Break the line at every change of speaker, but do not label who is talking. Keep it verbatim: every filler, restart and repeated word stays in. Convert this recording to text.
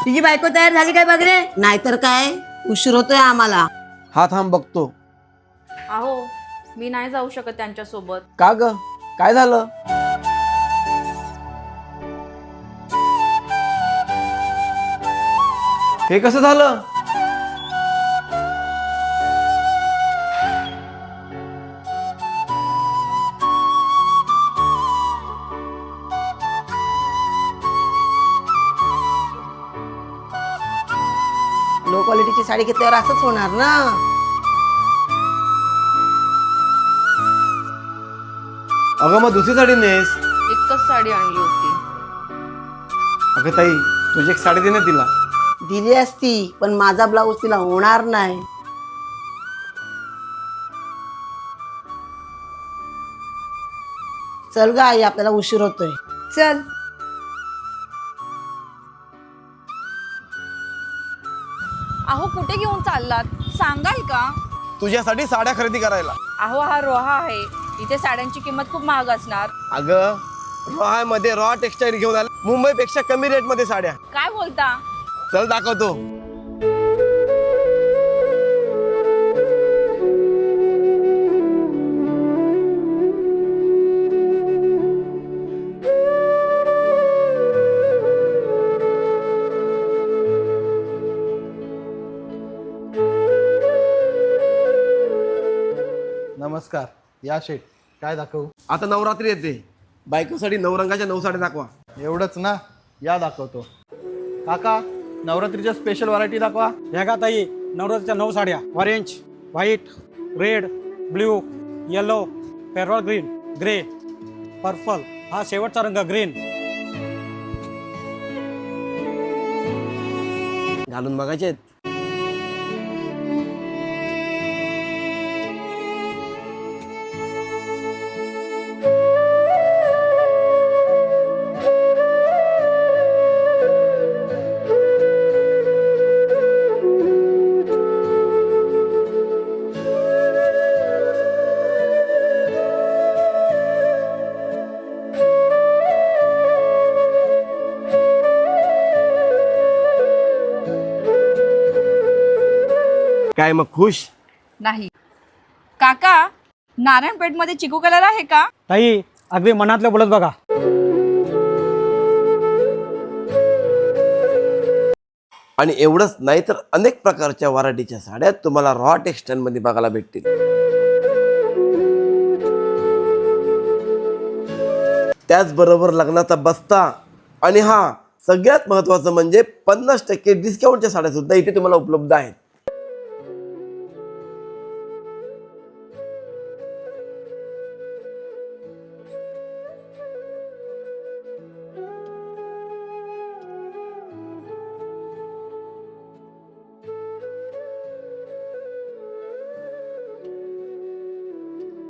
तुझी बायको तयार झाली काय बघ रे?
नाहीतर काय, उशीर होतोय आम्हाला.
हा थांब बघतो.
अहो मी नाही जाऊ शकत त्यांच्या सोबत.
का ग, काय झालं? हे कसं झालं?
लो क्वालिटीची साडी घेतल्यावर असंच होणार ना.
अगं मग दुसरी साडी नेस.
एकच साडी आणली होती.
अगं ताई, तुझी एक साडी दे ना तिला.
दिली असती, पण माझा ब्लाऊज तिला होणार नाही. चल ग आई, आपल्याला उशीर होतोय.
चल.
अहो कुठे घेऊन चाललात सांगाल का?
तुझ्यासाठी साड्या खरेदी करायला.
अहो हा रोहा आहे, इथे साड्यांची किंमत खूप महाग असणार.
अगं रॉय मध्ये रॉ टेक्सटाईल घेऊन आले, मुंबई पेक्षा कमी रेट मध्ये साड्या.
काय बोलता?
चल दाखवतो.
नमस्कार, या शेठ, काय दाखवू?
आता नवरात्री येते, बायकोसाठी नऊ रंगाच्या नऊ साड्या दाखवा.
एवढंच ना, या दाखवतो. काका, नवरात्रीच्या स्पेशल व्हरायटी दाखवा.
ह्या का ताई, नवरात्रीच्या नऊ साड्या. Orange, white, red, blue, yellow, parrot green, grey, purple, हा शेवटचा रंग ग्रीन.
घालून बघायचे आहेत. काय मग खुश?
नाही. काका, नारायणपेठ मध्ये चिकू कलर आहे का?
ताई, अगदी मनातलं बोलत बघा.
आणि एवढंच नाही तर अनेक प्रकारच्या व्हरायटीच्या साड्या तुम्हाला रॉ टेक्सटाईल मध्ये बघायला भेटतील. त्याचबरोबर लग्नाचा बस्ता आणि हा सगळ्यात महत्वाचं म्हणजे पन्नास टक्के डिस्काउंटच्या साड्या सुद्धा इथे तुम्हाला उपलब्ध आहेत.